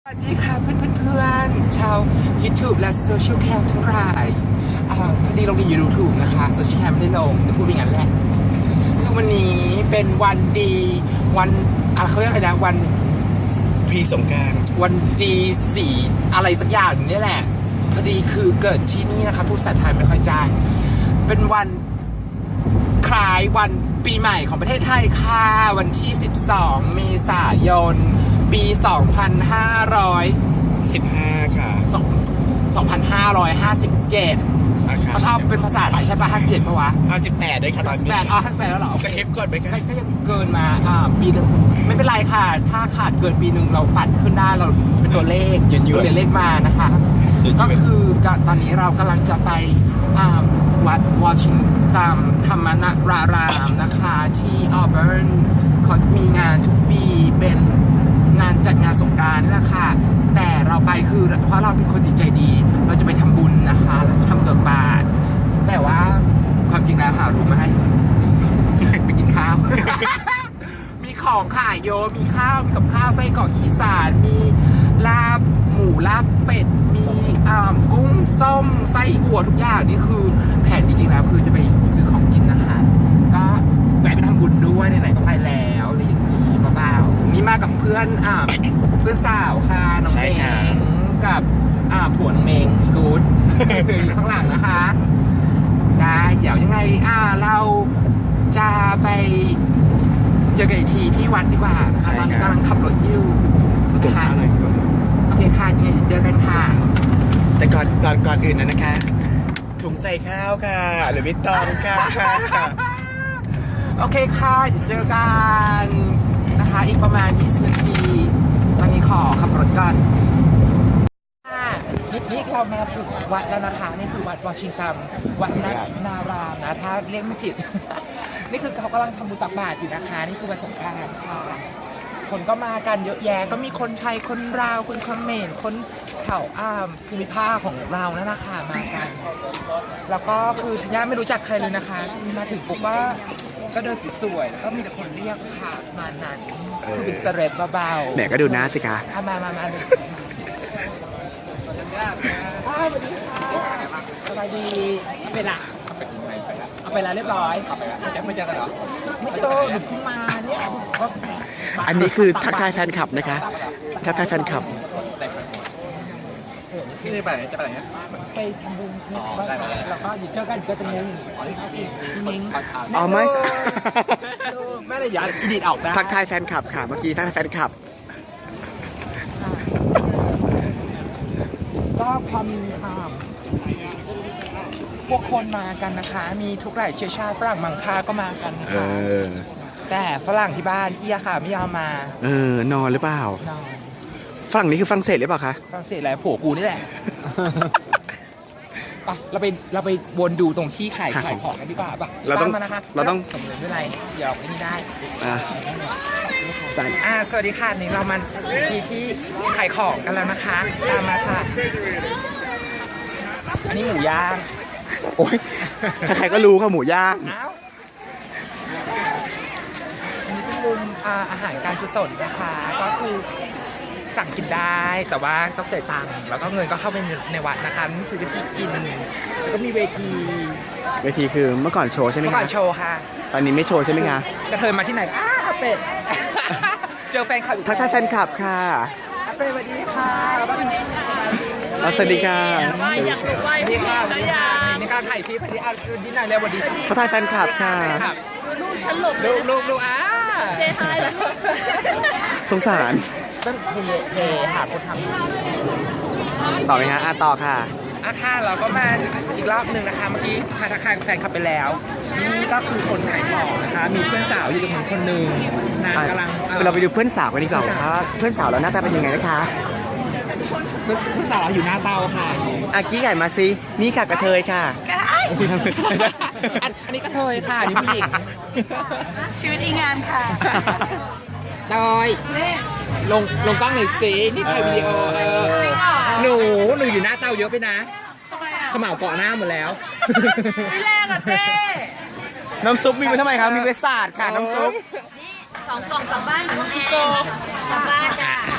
สวัสดีค่ะเพื่อนๆชาว YouTube และโซเชียลแคมทั้งหลายพอดีลงใน YouTube นะคะโซเชียลแคมไม่ได้ลงจะพูดอย่างนั้นแหละคือวันนี้เป็นวันดีวันเขาเรียกอะไรนะวันพรีสงกรานต์วันดีสีอะไรสักอย่างนี่แหละพอดีคือเกิดที่นี่นะคะผู้ภาษาไทยไม่ค่อยจ้าเป็นวันคล้ายวันปีใหม่ของประเทศไทยค่ะวันที่ 12 เมษายนปี 15 ค่ะ 2557เขาเอาเป็นภาษาไทยใช่ป่ะ57ป่ะวะ 58ด้วยค่ะตอนนี้ 58แล้วเหรอสคริปต์ก่อนไหมคะก็ยังเกินมาปีนึงไม่เป็นไรค่ะถ้าขาดเกินปีนึงเราปัดขึ้นได้เราเป็นตัวเลขตัวเลขมานะคะก็คือตอนนี้เรากำลังจะไปวัดวอชิงตันธรรมนารามนะคะที่ออเบิร์นเขามีงานทุกปีเป็นงานจัดงานสงกรานต์นี่แหละค่ะแต่เราไปคือเพราะเราเป็นคนจิตใจดีเราจะไปทำบุญนะคะทำตักบาตรแต่ว่าความจริงแล้วค่ะรู้ไหมไปกินข้าว มีของขายโยมีข้าวมีกับข้าวไส้กรอกอีสานมีลาบหมูลาบเป็ดมีกุ้งส้มไส้อั่วทุกอย่างนี่คือแผนจริงๆแล้วคือจะไปซื้อของกินนะคะก็แวะไปทำบุญด้วยไหนๆก็ไปแล้วอะไรอย่างนี้เบาๆนี่มากับเพื่อนเพื่อนสาวค่ะน้องเมงกับผัวน้องเมงอีกูดอยู่ข้างหลังนะคะได้เดี๋ยวยังไงเราจะไปเจอกันอีกทีที่วัดดีกว่าค่ะตอนนี้กำลังขับรถอยู่ค่ะโอเคค่ะยังไงเจอกันค่ะแต่ก่อนอื่นนะคะถุงใส่ข้าวค่ะหรือวิตตองค่ะโอเคค่ะเจอกันนะคะอีกประมาณ20 นาทีตอนนี้ขอขับรถก่อนนี่เรามาถึงวัดแล้วนะคะนี่คือวัดวอชิงตันวัดนารามนะถ้าเรียกไม่ผิด นี่คือเขากำลังทำบุญตักบาตรอยู่นะคะนี่คือวันสงกรานต์ค่ะคนก็มากันเยอะแยะก็มีคนไทยคนลาวคนเขมรคนเผ่าภูมิภาคของเรานั่นนะคะมากันแล้วก็คือทัญญาไม่รู้จักใครเลยนะคะมาถึงปุ๊บก็เดินสวยๆแล้วก็มีแต่คนเรียกค่ะมานั้นคือเป็นเซเลบเบาๆแหมก็ดูหน้าสิคะมาสวัสดีค่ะสบายดีเป็นอะเอาไปแล้วเรียบร้อยไม่เจอกันเหรอไม่เจอหนูเพิ่งมาเนี่ยอันนี้คือทักทายแฟนคลับนะคะทักทายแฟนคลับที่ไปไหนจะไปไหนไปทำบุญแล้วก็เจอกันก็จะงงมิ้งอ๋อไม่ไม่ได้ยัดอิดิทออกนะทักทายแฟนคลับค่ะเมื่อกี้ทักทายแฟนคลับก็ความพวกคนมากันนะคะมีทุกหลายเชื้อชาติฝรั่งมังค่าก็มากันนะคะแต่ฝรั่งที่บ้านที่ยาค่ะไม่ยอมมานอนหรือเปล่านอนฝรั่งนี้คือฝรั่งเศสหรือเปล่าคะฝรั่งเศสแหละผัวกูนี่แหละปะเราไปวนดูตรงที่ขายของกันดีกว่าปะเราต้องผมเลยไม่ไรเดี๋ยวไม่ได้สวัสดีค่ะนี่เรามาที่ขายของกันแล้วนะคะตามมาค่ะอันนี้หมูย่างโอ้ยใครๆก็รู้ค่ะหมูย่างอันนี้เป็นมุมอาหารการกุศลนะคะก็คือสั่งกินได้แต่ว่าต้องจ่ายตังค์แล้วก็เงินก็เข้าไปในวัดนะคะนี่คือที่กินแล้วก็มีเวทีคือเมื่อก่อนโชว์ใช่ไหมคะเมื่อก่อนโชว์ค่ะตอนนี้ไม่โชว์ใช่ไหมคะกระเทยมาที่ไหนเป็ดเจอแฟนคลับทักทายแฟนคลับค่ะเป็ดสวัสดีค่ะสวัสดีค่ะสวัสดีค่ะนี่การถ่ายคลิปที่ดูดีหน่อยเร็วสวัสดีทักทายแฟนคลับค่ะลูกฉันหลบลูกเซฮายสงสารต้องเทหาคนทำต่อไหมคะต่อค่ะค่ะเราก็มาอีกรอบหนึ่งนะคะเมื่อกี้ทักทายแฟนคลับไปแล้วนี่ก็คือคนขายของนะคะมีเพื่อนสาวอยู่กับหนึ่งคนหนึ่งนางกำลังเราไปดูเพื่อนสาวกันดีกว่าค่ะเพื่อนสาวเราหน้าตาเป็นยังไงนะคะเพื่อนสาวอยู่หน้าเตาค่ะกี้ไก่มาซินี่ค่ะกระเทยค่ะอันนี้กระเทยค่ะนี่ผู้หญิงชีวิตอีงานค่ะเตยลงกล้องหน่อยสินี่ถ่ายวิดีโอจริงเหรอหนูอยู่หน้าเตาเยอะไปนะขม่าวเกาะหน้าหมดแล้วไม่แรงอ่ะเจ๊น้ำซุปมีไว้ทำไมคะมีไว้สาดค่ะน้ำซุป 2 กล่องกลับบ้านเหมือนแม่กลับบ้านจ้ะ